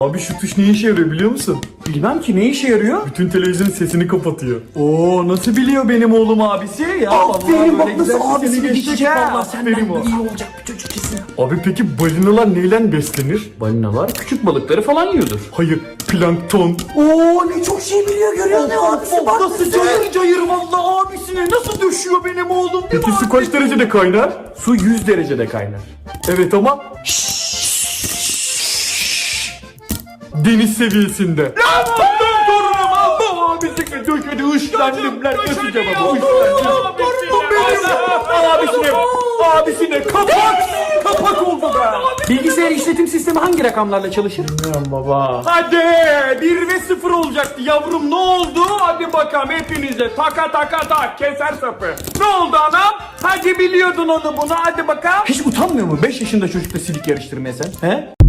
Abi şu tuş ne işe yarıyor biliyor musun? Bilmem ki ne işe yarıyor? Bütün televizyonun sesini kapatıyor. Oo, nasıl biliyor benim oğlum abisi? Ya Aferin, bak nasıl güzel abisini sesini geçecek, geçecek. vallahi Vallahi aferin senden o. de iyi olacak bir çocuk kesin. Abi peki balinalar neyle beslenir? Balinalar küçük balıkları falan yiyordur. Hayır, plankton. Oo, ne çok şey biliyor görüyor musun abisi? Bak Nasıl cayır cayır vallahi abisine nasıl döşüyor benim oğlum. Peki su kaç derecede kaynar? Su 100 derecede kaynar. Evet ama deniz seviyesinde. Lan torunum Allah abisine döşedi ışlandım lan nasıl cevabı abisine kapak oldu be. Bilgisayar işletim sistemi hangi rakamlarla çalışır? Bilmiyorum baba. Hadi 1 ve 0 olacaktı yavrum ne oldu? Hadi bakalım hepinize taka tak keser sapı. Ne oldu anam? Hadi biliyordun onu bunu hadi bakalım. Hiç utanmıyor mu 5 yaşında çocukla silik yarıştırmaya sen? He?